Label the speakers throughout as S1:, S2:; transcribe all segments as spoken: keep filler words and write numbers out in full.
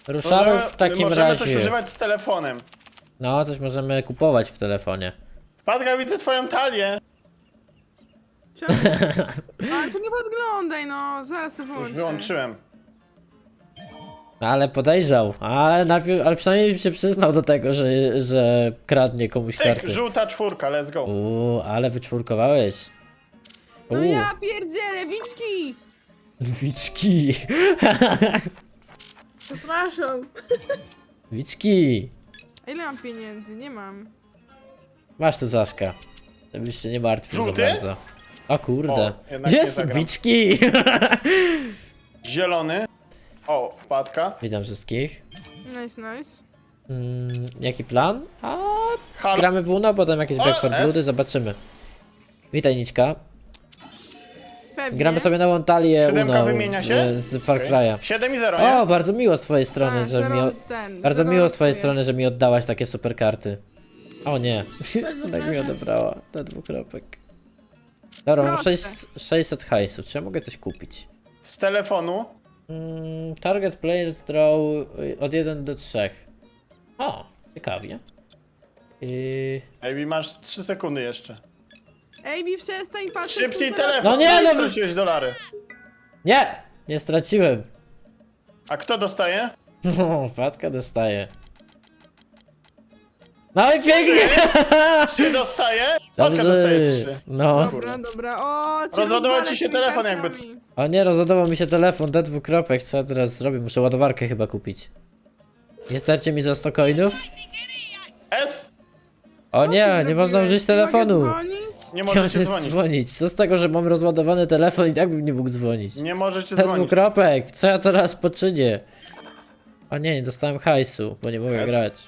S1: Ruszamy w takim
S2: możemy
S1: razie.
S2: coś używać z telefonem.
S1: No, coś możemy kupować w telefonie.
S2: Wpadka, widzę twoją talię.
S3: Czemu? Ale tu nie podglądaj, no. Zaraz to wyłączę.
S2: Już wyłączyłem.
S1: Ale podejrzał, ale najpierw, ale przynajmniej się przyznał do tego, że, że kradnie komuś
S2: Cyk,
S1: karty.
S2: żółta czwórka, let's go.
S1: Uuu, ale wyczwórkowałeś.
S3: No
S1: Uuu,
S3: ja pierdzielę, wiczki!
S1: wiczki.
S3: Przepraszam.
S1: Wiczki.
S3: A ile mam pieniędzy? Nie mam.
S1: Masz tu Zaszka. Żebyś się nie martwił
S2: Żółty?
S1: za bardzo. O kurde.
S2: O, jednak nie
S1: Jest,
S2: zagram.
S1: wiczki.
S2: Zielony. O, wpadka.
S1: Witam wszystkich.
S3: Nice, nice.
S1: Mm, jaki plan? A,
S2: Halo.
S1: gramy w Uno, potem jakieś
S2: O,
S1: Back four
S2: S.
S1: Bloody, zobaczymy. Witaj Niczka.
S3: Pewnie.
S1: Gramy sobie na Łątalię
S2: Siódemka
S1: Uno
S2: wymienia
S1: w-
S2: się?
S1: z Far
S2: Okej.
S1: Cry'a.
S2: siedem i zero,
S1: O,
S2: nie?
S1: bardzo miło z twojej strony,
S3: A,
S1: że
S3: zero
S1: mi... O...
S3: ten,
S1: Bardzo
S3: zero
S1: miło z twojej
S3: losuje.
S1: strony, że mi oddałaś takie super karty. O nie, tak mi odebrała, te dwukropek. Dobra, mam
S3: Proste.
S1: sześć- sześćset hajsu, czy ja mogę coś kupić?
S2: Z telefonu.
S1: Mm, target players draw y, od jeden do trzech. O, ciekawie. I...
S2: Ej, masz trzy sekundy jeszcze.
S3: Ej, bi przestań patrzeć.
S2: Szybciej
S3: tu
S2: telefon.
S1: No nie,
S2: Oj,
S1: no-
S2: straciłeś dolary.
S1: Nie! Nie straciłem.
S2: A kto dostaje?
S1: O, Wpadka dostaje. No i pięknie!
S2: Trzy dostaje? Wpadka dostaje trzy.
S1: No.
S3: Dobra, dobra. O, cię
S2: Rozładował
S3: rozwalę
S2: ci się
S3: tymi
S2: telefon jakby
S3: kartami.
S1: O nie, rozładował mi się telefon, D dwukropek, co ja teraz zrobię? Muszę ładowarkę chyba kupić. Nie starcie mi za sto coinów?
S2: S?
S1: O
S3: Co ty
S1: nie, nie
S3: zrobiłeś?
S1: można użyć
S3: Nie
S1: telefonu.
S3: mogę dzwonić?
S2: Nie
S1: Nie
S2: możecie
S1: możesz
S2: dzwonić.
S1: dzwonić. Co z tego, że mam rozładowany telefon i tak bym nie mógł dzwonić?
S2: Nie możecie
S1: D
S2: dzwonić.
S1: dwukropek, co ja teraz poczynię? O nie, nie dostałem hajsu, bo nie mogę
S2: Jest.
S1: grać.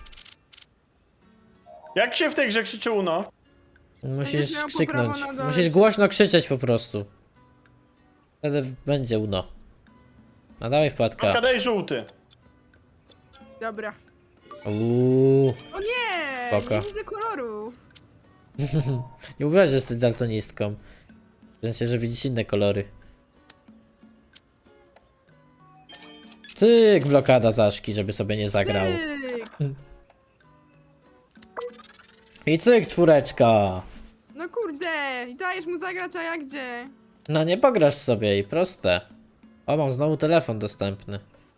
S2: Jak się w tej grze krzyczy Uno?
S1: Musisz
S3: miał po
S1: krzyknąć.
S3: prawo na dole
S1: Musisz głośno krzyczeć po prostu. Wtedy w- będzie uno. No dawaj wpadka.
S2: Wpadka, daj żółty.
S3: Dobra.
S1: Uuu.
S3: O nie!
S1: Spoko.
S3: Nie widzę kolorów.
S1: Nie mówiłaś, że jesteś daltonistką. W sensie, że widzisz inne kolory. Cyk, blokada Zaszki, żeby sobie nie zagrał.
S3: Tyk.
S1: I cyk, czwóreczka.
S3: No kurde, i dajesz mu zagrać, a ja gdzie?
S1: No nie pograsz sobie i proste. O, mam znowu telefon dostępny.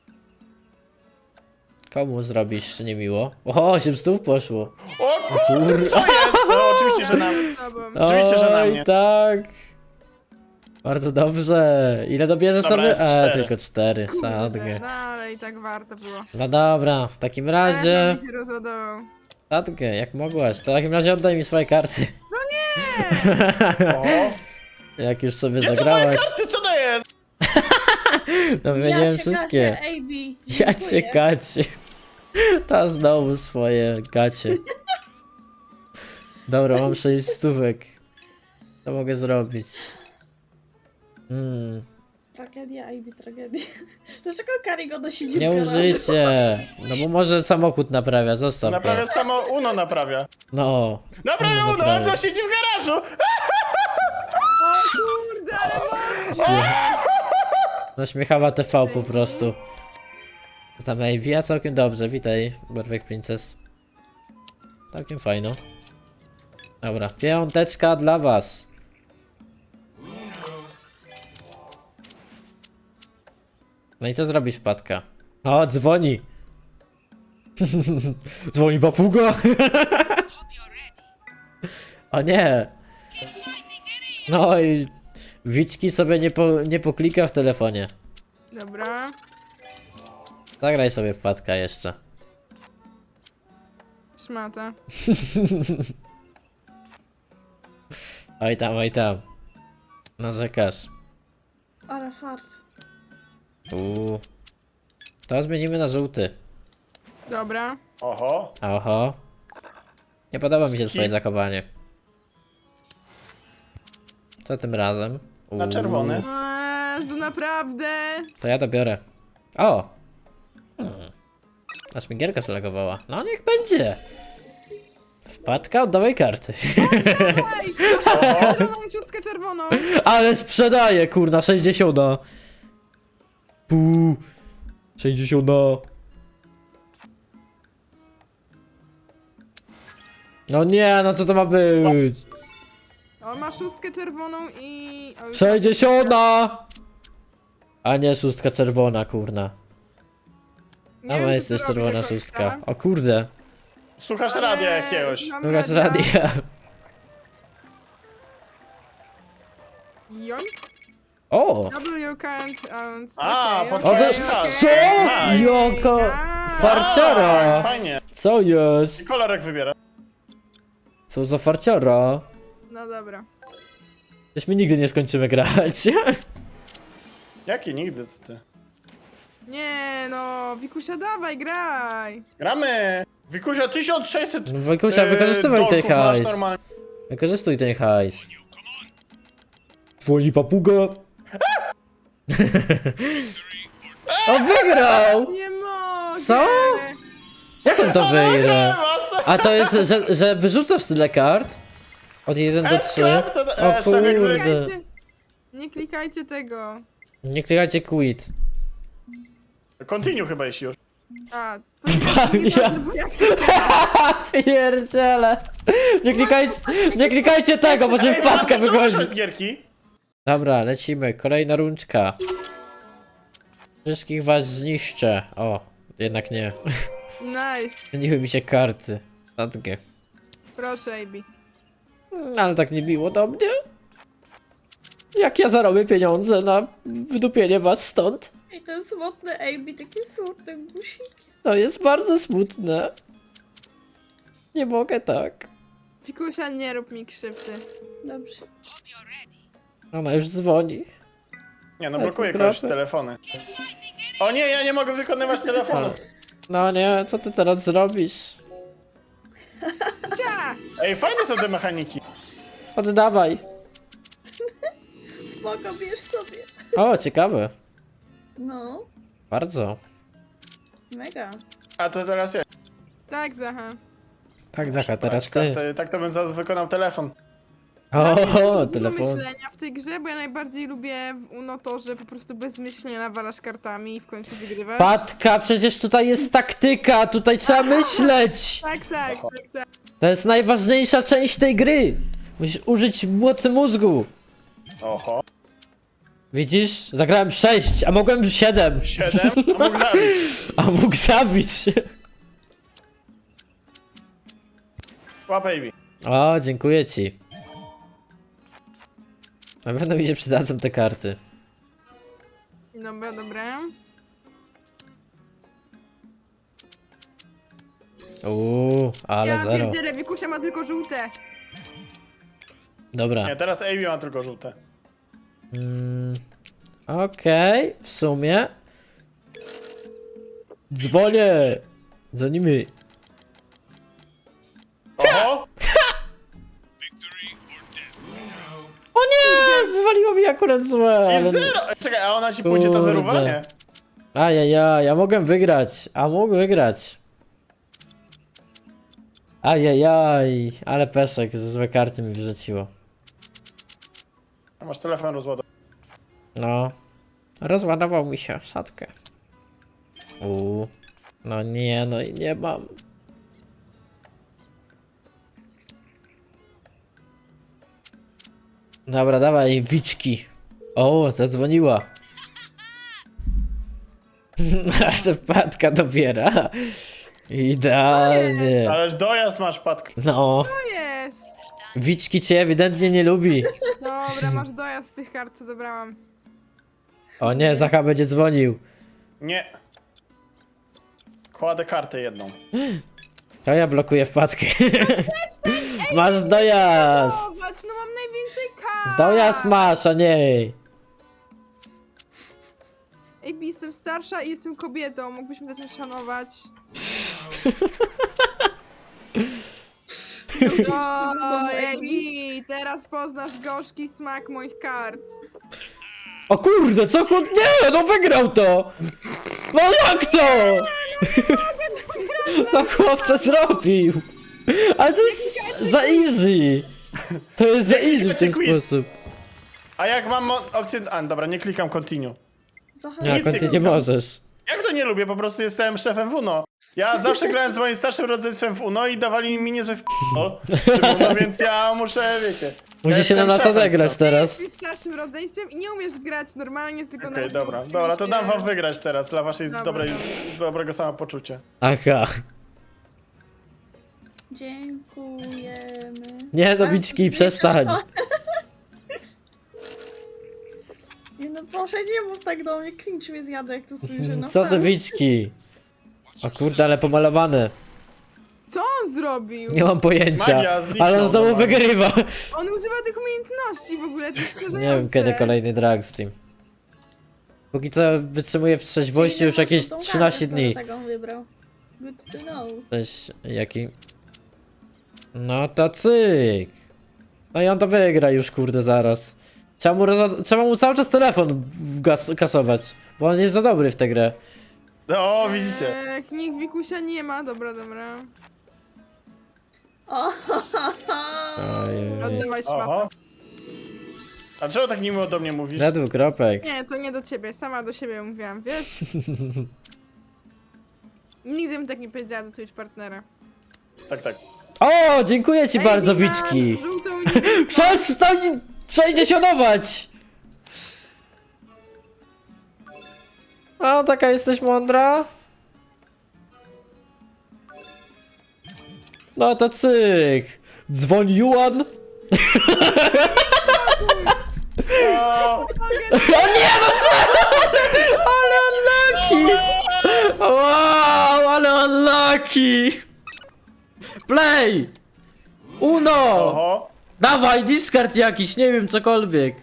S1: Komu zrobisz niemiło? O, osiem stów poszło.
S2: O kurde, co jest? No oczywiście, że na mnie.
S3: Z tobą.
S2: Oczywiście, że na
S1: Oj,
S2: mnie.
S1: tak. Bardzo dobrze. Ile dobierzesz
S2: Dobra,
S1: sobie?
S2: jest
S1: A,
S2: cztery.
S1: tylko cztery.
S3: Kurde,
S1: Sadgę.
S3: no ale i tak warto było.
S1: No dobra, w takim
S3: Telefon
S1: razie...
S3: mi się rozładował.
S1: Sadgę, jak mogłaś. To w takim razie oddaj mi swoje karty.
S2: O.
S1: Jak już sobie
S2: Gdzie są moje
S1: zagrałaś.
S2: karty? Co to jest?
S1: No wymieniłem wszystkie.
S4: A B.
S1: Ja cię gacie. Ta znowu swoje gacie. Dobra, mam sześć stówek. Co mogę zrobić? Hmm,
S4: Tragedia, A B, tragedia. Dlaczego Karigoda siedzi
S1: nie
S4: w garażu?
S1: użycie. No bo może samochód naprawia, zostaw go.
S2: Naprawia samo Uno naprawia.
S1: No.
S2: Naprawia
S1: Uno
S2: Uno,
S1: naprawia.
S2: to siedzi w garażu!
S3: O kurde, ale
S1: Naśmiechawa T V po prostu. Tam A B, a całkiem dobrze, witaj, Barwek Princess. Całkiem fajno. Dobra, piąteczka dla was. No i co zrobisz, wpadka? O, dzwoni. Dzwoni papuga. O nie. No i Wiczki sobie nie, po, nie poklika w telefonie.
S3: Dobra.
S1: Zagraj sobie wpadka jeszcze.
S3: Szmata.
S1: Oj tam, oj tam. Narzekasz.
S4: Ale fart.
S1: Uuu. To zmienimy na żółty.
S3: Dobra.
S2: Oho.
S1: Oho. Nie podoba mi się
S2: Skip.
S1: twoje zachowanie. Co tym razem?
S2: Na
S1: Uuu.
S2: czerwony.
S3: O Jezu, naprawdę.
S1: To ja dobiorę. O! Hmm. Aż mi gierka zalogowała. No niech będzie. Wpadka, oddawaj karty.
S3: Ej, czerwoną, ciutkę czerwoną.
S1: Ale sprzedaję, kurna, sześćdziesiąt. Puu. sześćdziesiąt. No nie, no co to ma być?
S3: On ma szóstkę czerwoną i... o, już-
S1: sześćdziesiąta! A nie, szóstka czerwona, kurna.
S3: Nie
S1: A
S3: wiem,
S1: ma
S3: co
S1: jest
S3: tu
S1: też
S3: robi do
S1: czerwona
S3: końca,
S1: szóstka. O kurde.
S2: Słuchasz
S3: ale
S2: radia jakiegoś.
S3: znam
S1: Druga z
S3: radia.
S1: radia.
S3: Joink.
S1: O!
S3: Double your current and...
S2: A,
S3: okej,
S2: pod-
S1: O, to
S3: okej,
S1: jest...
S3: okej.
S1: Co?
S2: Nice.
S1: Joko...
S3: Nice.
S1: Farciara!
S2: A, fajnie.
S1: Co jest?
S2: Kolorek wybiera.
S1: Co za farciara?
S3: No dobra.
S1: Przecież my nigdy nie skończymy grać.
S2: Jaki nigdy co ty?
S3: Nie no, Wikusia dawaj, graj!
S2: Gramy! Wikusia tysiąc sześćset
S1: No, Wojkusia,
S2: e,
S1: wykorzystywaj ten
S2: dolków masz
S1: hajs.
S2: normalnie.
S1: Wykorzystuj ten hajs. Dzwoni papuga. O, wygrał!
S3: Nie mogę!
S1: Co? Jak on to wygra?
S2: Was!
S1: A to jest, że, że wyrzucasz tyle kart? Od jeden do trzy?
S2: Escape to-
S1: O
S2: e, szefek
S1: kurde.
S3: Klikajcie, nie klikajcie tego.
S1: Nie klikajcie quit.
S2: Continue chyba jeśli już.
S3: A,
S1: Ja- Pierdziele. Nie klikajcie, nie klikajcie tego, bo cię
S2: Ej,
S1: wpadka
S2: Patryk, czemu
S1: wychodzi.
S2: wyszłeś z gierki?
S1: Dobra, lecimy. Kolejna rundka. Wszystkich was zniszczę. O, jednak nie.
S3: Nice.
S1: Zmieniły mi się karty. Statkie.
S3: Proszę, Abi.
S1: Mm, Ale tak nie biło do mnie. Jak ja zarobię pieniądze na wydupienie was stąd?
S4: I ten smutny Amy, takim smutnym gusikiem.
S1: To jest bardzo smutne. Nie mogę tak.
S3: Wikusia, nie rób mi krzywdy.
S4: Dobrze.
S1: Ona już dzwoni.
S2: Nie no,
S1: Ale
S2: blokuje
S1: to
S2: kogoś
S1: grafy.
S2: telefony. O nie, ja nie mogę wykonywać telefonu.
S1: No nie, co ty teraz zrobisz?
S3: Cia!
S2: Ej, fajne są te mechaniki.
S1: Oddawaj.
S4: Spoko, bierz sobie.
S1: O, ciekawe.
S4: No,
S1: Bardzo.
S4: mega.
S2: A to teraz ja.
S3: Tak, Zacha.
S1: Tak, Zacha, teraz
S2: Tak,
S1: ty.
S2: to- Tak to bym zaraz wykonał telefon.
S1: O,
S3: Dużo
S1: telefon.
S3: myślenia w tej grze, bo ja najbardziej lubię w Uno to, że po prostu bez myślenia nawalasz kartami i w końcu wygrywasz.
S1: Patka, przecież tutaj jest taktyka, tutaj trzeba myśleć.
S3: Tak, tak, tak, tak.
S1: To jest najważniejsza część tej gry. Musisz użyć mocy mózgu.
S2: Oho.
S1: Widzisz? Zagrałem sześć, a mogłem siedem.
S2: Siedem? A mógł zabić.
S1: A mógł zabić.
S2: Łap baby.
S1: O, dziękuję ci. Na pewno mi się przydadzą te karty.
S3: Dobra, dobra.
S1: Uuu, ale
S3: ja
S1: zero.
S3: pierdzielę, Wikusia ma tylko żółte.
S1: Dobra.
S2: Nie, teraz Amy ma tylko żółte.
S1: Mm, Okej, w sumie. Dzwonię. Dzwonimy.
S2: Oho!
S1: O nie! Wywaliło mi akurat złe.
S2: I
S1: ale-
S2: zero! Ej, czekaj, a ona ci pójdzie ta
S1: Kurde.
S2: zerówa? Nie.
S1: Ajajaj, ja mogłem wygrać. A mógł wygrać. Ajajaj, ale pesek, ze złe karty mi wyrzuciło.
S2: A masz telefon rozładowany.
S1: No. Rozładował mi się szatkę. Uuu. No nie, no i nie mam. Dobra, dawaj, wiczki. O, zadzwoniła. Nasze wpadka dobiera. Idealnie.
S2: Ależ dojazd masz, Patko.
S1: No,
S3: To jest.
S1: wiczki cię ewidentnie nie lubi.
S3: Dobra, masz dojazd z tych kart, co zebrałam.
S1: O nie, Zacha będzie dzwonił.
S2: Nie. Kładę kartę jedną.
S1: To ja blokuję wpadkę. Masz dojazd.
S3: Zobacz, no mam najwięcej kart.
S1: Dojazd masz, a nie.
S3: Ej, jestem starsza i jestem kobietą, mógłbyśmy zacząć szanować. O, ej, teraz poznasz gorzki smak moich kart.
S1: O kurde, co kur... Nie, no wygrał to! No jak to? No chłopca zrobił. Ale to jest za easy. To jest za easy w ten sposób.
S2: A jak mam mo- opcję... A, dobra, nie klikam continue.
S4: Zacha,
S1: Nie,
S2: Nic nie
S1: kończy nie
S2: klikam.
S1: możesz.
S2: Jak to nie lubię? Po prostu jestem szefem w Uno. Ja zawsze grałem z moim starszym rodzeństwem w Uno i dawali mi niezły w***ol. No więc ja muszę, wiecie...
S1: Musi
S2: ja
S1: się nam
S2: jestem
S1: na to
S2: szefem,
S1: zagrać
S2: no.
S1: teraz.
S3: Jesteś starszym rodzeństwem i nie umiesz grać normalnie, tylko
S2: Okej,
S3: na
S2: dobra,
S3: ulicy
S2: dobra, to dam
S3: się-
S2: wam wygrać teraz dla waszej
S3: Dobra,
S2: dobrej,
S3: dobra.
S2: dobrego samopoczucia.
S1: Aha.
S4: Dziękujemy.
S1: Nie no,
S4: A,
S1: Wiczki,
S4: nie
S1: przestań.
S4: przeszkoda. Nie no proszę, nie mów tak do mnie, cringe mnie zjada jak to słyszę, no
S1: Co ty, Wiczki? O kurde, ale pomalowane.
S3: Co on zrobił?
S1: Nie mam pojęcia.
S2: Magia zniknął
S1: Ale on znowu
S2: normalnie.
S1: wygrywa.
S3: On używa tych umiejętności w ogóle, to jest
S1: Nie wiem kiedy kolejny drag stream. Póki co wytrzymuję w trzeźwości już jakieś trzynaście dni.
S4: Tak on wybrał. Good to know.
S1: Cześć, jaki? No to cyk. No i on to wygra już, kurde, zaraz. Trzeba mu, roza- trzeba mu cały czas telefon wgas- kasować, bo on jest za dobry w tę grę.
S2: No, widzicie.
S3: Eee, nikt Wikusia nie ma, dobra, dobra.
S4: O,
S1: Ojej.
S3: Oddawaj szmatę.
S2: Oho. A czemu tak miło do mnie mówisz?
S1: Na dwukropek.
S3: Nie, to nie do ciebie, sama do siebie mówiłam, wiesz? Nigdy bym tak nie powiedziała do Twitch partnera.
S2: Tak, tak.
S1: O, dziękuję ci
S3: Ej,
S1: bardzo,
S3: Wiman,
S1: Wiczki.
S3: żółtą i niebieską.
S1: Przestań przejdziesionować! A, taka jesteś mądra? No to cyk. Dzwoń Juan.
S2: O,
S1: O nie, no co? Ale unlucky! Wow, ale unlucky! Play! Uno!
S2: oho.
S1: Dawaj, discard jakiś, nie wiem, cokolwiek.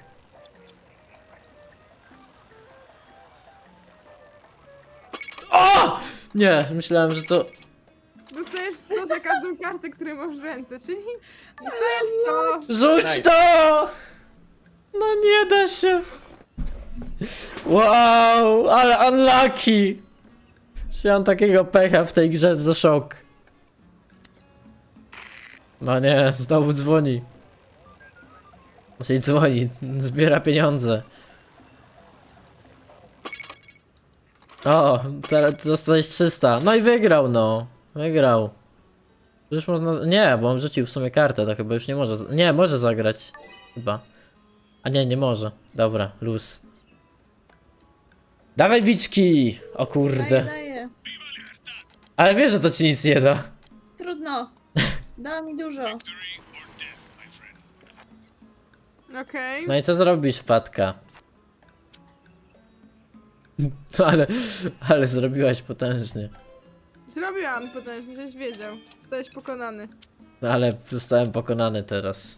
S1: O! Nie, myślałem, że to...
S3: Dostajesz sto za każdą kartę, którą masz w ręce, czyli dostajesz sto.
S1: Rzuć
S2: Nice.
S1: to! No nie da się. Wow, ale unlucky. Czy mam takiego pecha w tej grze, to szok. No nie, znowu dzwoni. Czyli dzwoni, zbiera pieniądze. O, teraz dostałeś trzysta. No i wygrał, no. Wygrał. Już można... Nie, bo on rzucił w sumie kartę, to chyba już nie może... Nie, może zagrać. Chyba. A nie, nie może. Dobra, luz. Dawaj, Wiczki! O
S4: daję,
S1: kurde.
S4: daję.
S1: Ale wiesz, że to ci nic nie da.
S4: Trudno. Dała mi dużo.
S3: Okej.
S1: No i co zrobisz, wpadka? Ale... Ale zrobiłaś potężnie.
S3: Zrobiłam potężnie, żeś wiedział. Zostałeś pokonany.
S1: No ale zostałem pokonany teraz.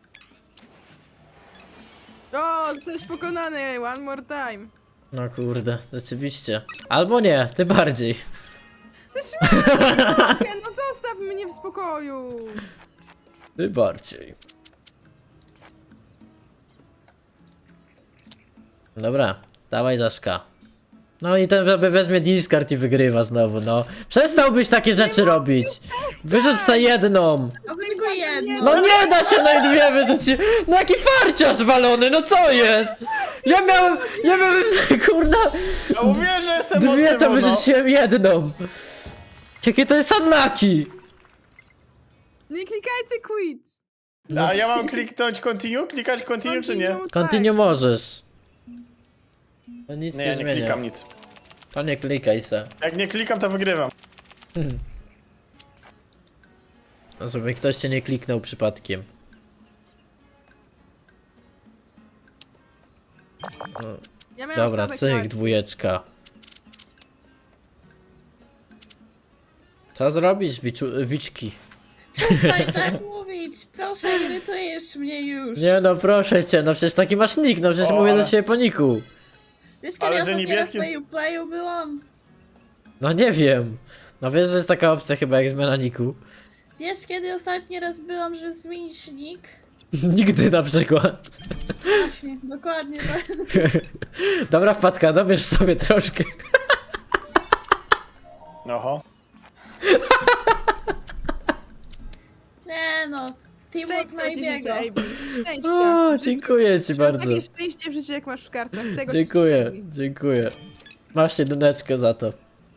S3: O, zostałeś pokonany, one more time.
S1: No kurde, rzeczywiście. Albo nie, ty bardziej.
S3: Nie, no zostaw mnie w spokoju.
S1: Ty bardziej. Dobra, dawaj Zaszka. No i ten sobie weźmie discard i wygrywa znowu, no. Przestałbyś takie rzeczy robić. Wyrzuć sobie jedną.
S4: A tylko jedno.
S1: No nie da się, no i dwie wyrzucić. No jaki farciarz walony, no co jest? Ja miałem, ja miałem, kurna,
S2: Ja mówię, że jestem
S1: dwie
S2: mocny
S1: to
S2: w Uno.
S1: wyrzuciłem jedną. Jakie to jest unlucky.
S3: Nie klikajcie quit.
S2: A ja mam kliknąć continue? Klikać continue czy nie?
S3: Continue,
S1: Continue możesz. To nic
S2: Nie,
S1: nie,
S2: ja nie
S1: zmienia.
S2: klikam nic.
S1: To nie klikaj se.
S2: Jak nie klikam, to wygrywam.
S1: Żeby ktoś cię nie kliknął przypadkiem.
S3: Ja miałam
S1: Dobra,
S3: słabek
S1: cyk,
S3: marki.
S1: dwójeczka. Co zrobisz, wiczu, wiczki?
S4: Przestań tak mówić. Proszę, irytujesz mnie już.
S1: Nie no, proszę cię, no przecież taki masz nick, no przecież
S2: O,
S1: mówię
S2: ale-
S1: do ciebie po niku.
S4: Wiesz, kiedy
S2: Ale
S4: ja
S2: że
S4: ostatni raz
S2: niebieski-
S4: na Uplayu byłam?
S1: No nie wiem. No wiesz, że jest taka opcja chyba jak zmiana niku.
S4: Wiesz, kiedy ostatni raz byłam, że zmienić nick?
S1: Nigdy na przykład.
S4: Właśnie, dokładnie tak.
S1: Dobra wpadka, dobierz sobie troszkę.
S2: Oho.
S4: Nie no, teamwork
S3: Szczęścia ci życzę,
S4: najbiego.
S3: Ejbi. Szczęścia.
S1: O,
S3: W życiu.
S1: dziękuję ci
S3: Masz
S1: bardzo.
S3: takie szczęście w życiu, jak masz w kartach. Tego ci
S1: Dziękuję,
S3: życzę.
S1: dziękuję. Masz jedyneczkę za to.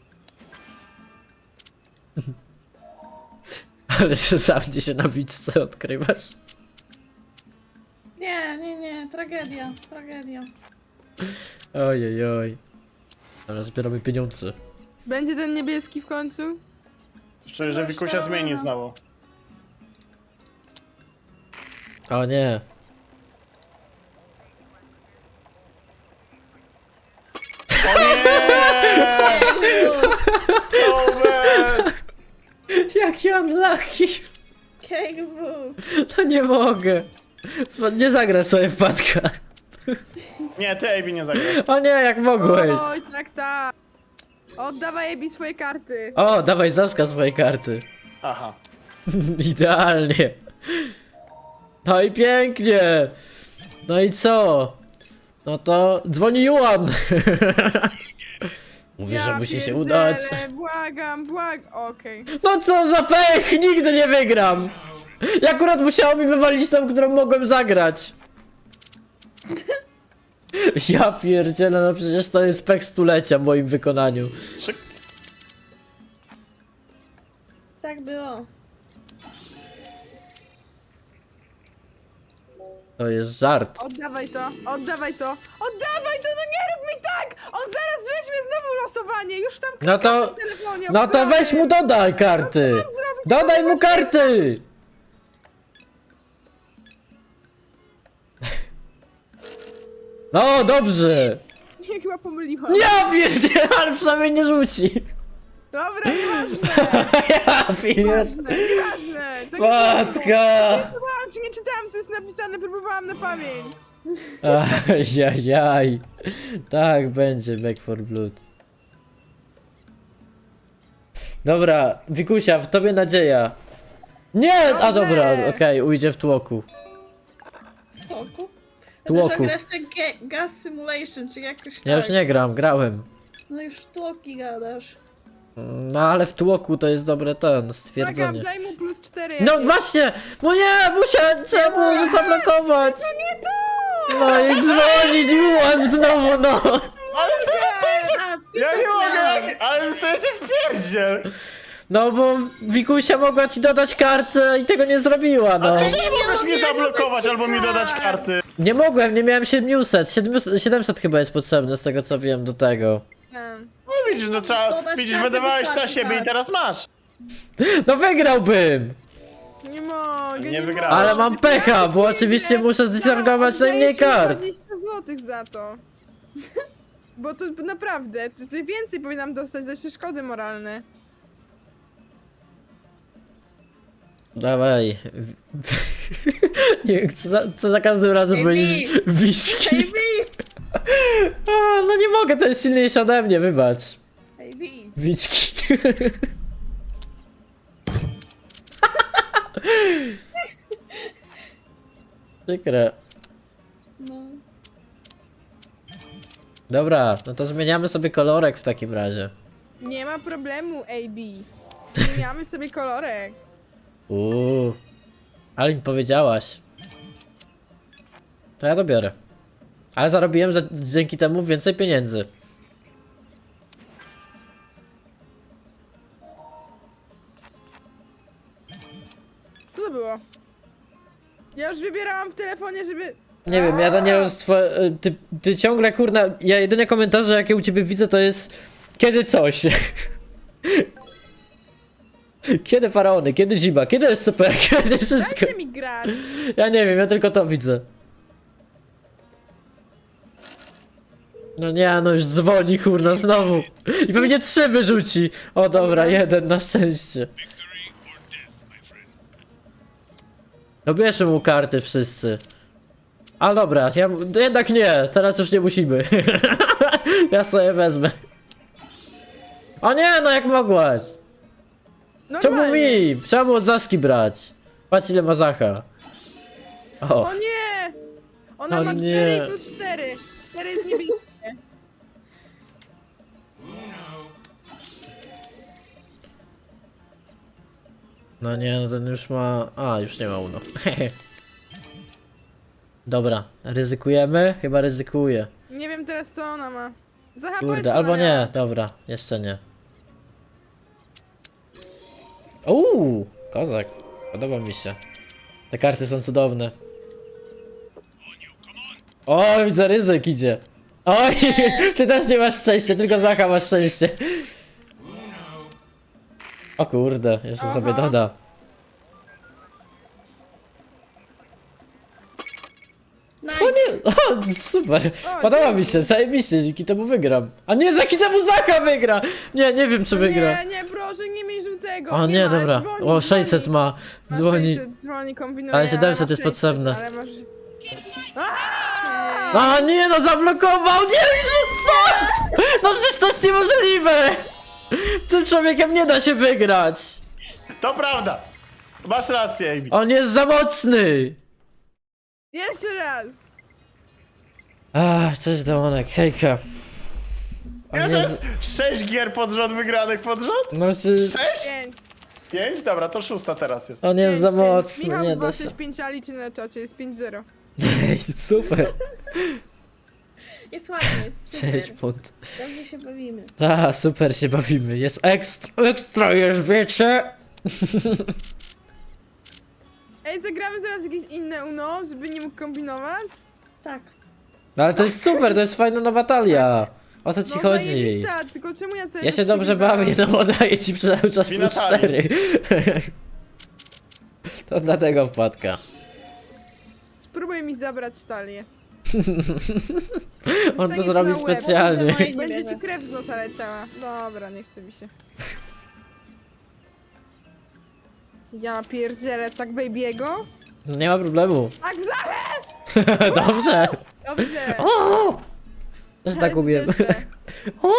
S1: Ale że sam się na wiczce odkrywasz.
S4: Nie, nie, nie, tragedia, tragedia.
S1: Ojej, oj. Ale zbieramy pieniądze.
S3: Będzie ten niebieski w końcu?
S2: Szczerze, że Wikusia zmieni znowu.
S1: O nie.
S2: O nie! So bad!
S1: Jaki unlucky.
S4: Kegbu.
S1: No nie mogę. No nie zagrasz sobie w paczka.
S2: Nie, ty Ejbi nie zagrasz.
S1: O nie, jak mogłeś.
S3: Oj, tak, tak. Oddawaj Ebi swoje karty.
S1: O, dawaj Zaszka swoje karty.
S2: Aha.
S1: Idealnie. No i pięknie. No i co? No to dzwoni Juan. Mówi, że musi się udać.
S3: pierdzielę, Błagam, błagam. Okej.
S1: No co za pech! Nigdy nie wygram! I akurat musiało mi wywalić tą, którą mogłem zagrać. Ja pierdzielę, no przecież to jest pech stulecia w moim wykonaniu.
S2: Szyk.
S4: Tak było.
S1: To jest żart.
S3: Oddawaj to, oddawaj to, oddawaj to, no nie rób mi tak! On zaraz weźmie znowu losowanie, już tam
S1: No
S3: klikam
S1: to-
S3: na telefonie.
S1: No to
S3: obsrany.
S1: weź mu dodaj karty!
S3: Co mam zrobić?
S1: Dodaj mu
S3: Pomóż
S1: karty! No dobrze!
S3: mi. Nie, chyba pomyliłam.
S1: Ja pierdzielę, ale przynajmniej nie rzuci.
S3: Dobra, nieważne,
S1: Ja pierdzielę.
S3: nieważne, nieważne. To nie było.
S1: Patka!
S3: Próbowałam, czy nie czytałam, co jest napisane, próbowałam na pamięć.
S1: Ajajaj. Tak będzie Back for Blood. Dobra, Wikusia, w tobie nadzieja. Nie! A
S3: Dobrze.
S1: dobra, okej, ujdzie w tłoku.
S4: Tłoku?
S1: Tłoku.
S4: Tłoku. Grasz ten ga- Gas Simulation, czy jakoś tak.
S1: Ja już nie gram, grałem.
S4: No już w tłoki gadasz.
S1: No ale w tłoku to jest dobre ten,
S3: Błagam,
S1: stwierdzenie.
S3: daj mu plus cztery.
S1: No
S3: jakieś.
S1: właśnie! No nie! Musiałem, trzeba było go zablokować!
S3: Nie to!
S1: No i dzwonić Juan znowu, no!
S2: Ale to jest...
S4: A,
S2: Ja
S4: Peter
S2: nie mogę,
S4: Swan.
S2: jak... ale dostajecie w pierdziel!
S1: No bo Wikusia mogła ci dodać kartę i tego nie zrobiła, no.
S2: Ty
S4: nie
S2: też mogłeś
S4: miałam
S2: mnie
S4: jak
S2: zablokować albo mi dodać
S4: nacisnąć.
S2: karty.
S1: Nie mogłem, nie miałem siedemset. siedemset. siedemset chyba jest potrzebne z tego co wiem do tego.
S3: Em,
S2: No widzisz, no trzeba...
S4: Dodać
S2: Widzisz,
S4: karty
S2: wydawałeś na
S4: wystarczy,
S2: siebie i
S4: tak.
S2: teraz masz.
S1: No wygrałbym!
S3: Nie mogę,
S2: Nie
S3: nie,
S2: wygrałeś.
S3: mogę.
S1: Ale mam pecha, bo oczywiście muszę zdysargować najmniej kart.
S3: dwadzieścia złotych za to. Bo to naprawdę, to, to więcej powinnam dostać za szkody moralne.
S1: Dawaj. Nie wiem, co za, co za każdym razem
S4: Ej,
S1: będziesz
S4: Wi!
S1: wiśki.
S4: Ej, Wi!
S1: A, no nie mogę, to jest silniejsze ode mnie, wybacz.
S4: Ej, Wi!
S1: Wiczki. Przykre.
S4: No.
S1: Dobra, no to zmieniamy sobie kolorek w takim razie.
S3: Nie ma problemu, A B. Zmieniamy sobie kolorek.
S1: Uuu. Ale mi powiedziałaś. To ja to biorę. Ale zarobiłem że dzięki temu więcej pieniędzy.
S3: Co to było? Ja już wybierałam w telefonie, żeby...
S1: Nie wiem, ja to nie wiem, swo- ty, ty ciągle kurna, ja jedyne komentarze jakie u ciebie widzę to jest kiedy coś. Kiedy faraony, kiedy zima, kiedy S C P, kiedy wszystko.
S3: Dajcie mi grać.
S1: Ja nie wiem, ja tylko to widzę. No nie, no już dzwoni kurna znowu. I pewnie trzy wyrzuci. O dobra, jeden na szczęście. No bierzmy mu karty wszyscy. A dobra, ja no jednak nie, teraz już nie musimy. Ja sobie wezmę. O nie, no jak mogłaś? Czemu
S3: Normalnie.
S1: mi? Trzeba było od Zaszki brać. Patrz ile ma Zacha. O,
S3: O nie! Ona
S1: O
S3: ma
S1: nie.
S3: cztery i plus cztery. cztery jest niebieskie.
S1: no nie, no ten już ma... A, już nie ma uno. Dobra, ryzykujemy? Chyba ryzykuję.
S3: Nie wiem teraz co ona ma. Zaha,
S1: Kurde,
S3: powiedz, co
S1: albo
S3: ona
S1: nie,
S3: miała.
S1: dobra, jeszcze nie. Uuu, kozak. Podoba mi się. Te karty są cudowne. Oj, widzę, ryzyk idzie. Oj, ty też nie masz szczęścia, tylko Zacha masz szczęście. O kurde, jeszcze
S3: Aha.
S1: sobie doda.
S4: Nice.
S1: O nie, o, super,
S3: O,
S1: podoba
S3: dzięki.
S1: mi się, zajebiście, dzięki temu wygram. A nie, dzięki temu Zacha wygra! Nie, nie wiem czy wygra.
S3: Nie, nie, proszę, nie miej żółtego.
S1: O nie,
S3: ma,
S1: dobra,
S3: dzwoni,
S1: o sześćset
S3: dzwoni.
S1: ma,
S3: Ma
S1: dzwoni.
S3: sześćset, dzwoni, kombinuje.
S1: Ale siedemset
S3: ma
S1: jest
S3: sześćset,
S1: potrzebne.
S3: Ale masz... Aaaa!
S1: A nie, no zablokował, nie, co? No przecież to jest niemożliwe! Tym człowiekiem nie da się wygrać!
S2: To prawda. Masz rację, Amy.
S1: On jest za mocny!
S3: Jeszcze raz.
S1: Ach, cześć Demonek, hejka. On
S2: Ile to
S1: jest...
S2: jest sześć gier pod rząd wygranych pod rząd?
S1: No czy...
S2: Sześć?
S3: Pięć.
S2: Pięć? Dobra, to szósta teraz jest.
S1: On jest
S3: pięć,
S1: za
S3: pięć.
S1: mocny,
S3: Michał
S1: nie
S3: dwa
S1: da się.
S3: sześć pięć, a liczy na czacie, jest pięć zero.
S1: Ej, super.
S4: Jest ładnie, jest
S1: sześć
S4: super.
S1: punktów.
S4: Dobrze się bawimy.
S1: A, super się bawimy. Jest ekstra, ekstra już, wiecie?
S3: Ej, zagramy zaraz jakieś inne Uno, żeby nie mógł kombinować?
S4: Tak.
S1: No ale to jest super, to jest fajna nowa talia. O co ci
S3: No,
S1: chodzi?
S3: zajebista, tylko czemu ja sobie
S1: Ja
S3: to
S1: się dobrze
S3: przegrywałam?
S1: bawię, no bo daję ci cały czas
S2: Wina
S1: plus
S2: talii.
S1: cztery. To dlatego wpadka.
S3: Spróbuj mi zabrać talię.
S1: On to
S3: Dostaniesz
S1: zrobił
S3: na łeb.
S1: specjalnie.
S4: Może moje-
S3: Będzie
S4: wierzę.
S3: ci krew z nosa leciała. Dobra, nie chce mi się. Ja pierdzielę, tak baby'ego?
S1: Nie ma problemu.
S3: Tak w zachę!
S1: Dobrze.
S3: Dobrze.
S1: O! Też tak
S3: Ale
S1: umiem.
S3: cieszę.
S1: O!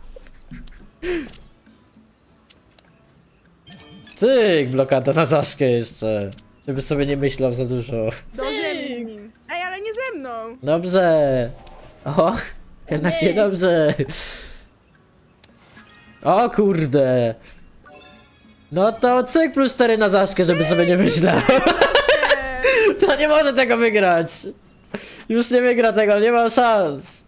S1: Cyk, blokada na zaszkę jeszcze. Żeby sobie nie myślał za dużo.
S3: Do ziemi z nim. Ej, ale nie ze mną.
S1: Dobrze. O, jednak
S4: nie.
S1: niedobrze. O kurde. No to cyk plus cztery na zaszkę, żeby sobie nie myślał.
S3: Eee,
S1: To nie może tego wygrać. Już nie wygra tego, nie ma szans.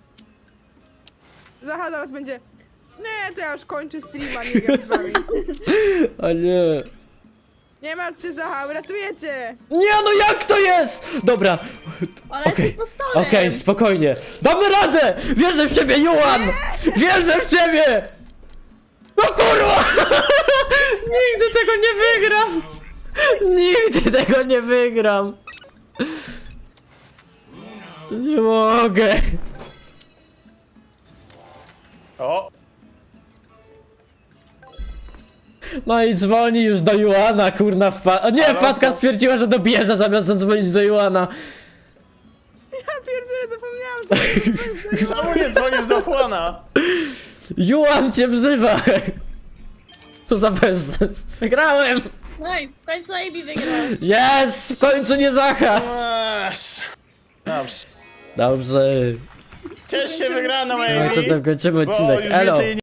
S3: Zacha zaraz będzie... Nie, to ja już kończę streama, nie gram z wami.
S1: O nie.
S3: Nie martw się, Zacha, uratuję cię.
S1: Nie no jak to jest? Dobra,
S4: Ale
S1: Okej,
S4: jest impostorem.
S1: okej, spokojnie. Damy radę! Wierzę w ciebie, Juan! Wierzę w ciebie! No kurwa! Nigdy tego nie wygram! Nigdy tego nie wygram! Nie mogę!
S2: O!
S1: No i dzwoni już do Juana, kurna wpa... O nie,
S2: Ale
S1: wpadka
S2: to-
S1: stwierdziła, że dobierze zamiast zadzwonić do Juana.
S3: Ja pierdzielę, zapomniałam, że...
S2: Czemu nie dzwonisz do Juana?
S1: Juan cię wzywa! Co za bezsens. Wygrałem!
S4: Nice, w końcu Amy wygrał.
S1: Jest! W końcu nie Zacha!
S2: Masz. Dobrze.
S1: Dobrze.
S2: Ciesz się wygraną,
S1: No i
S2: Amy.
S1: co tam kończymy
S2: Bo
S1: odcinek.
S2: już
S1: Elo!
S2: więcej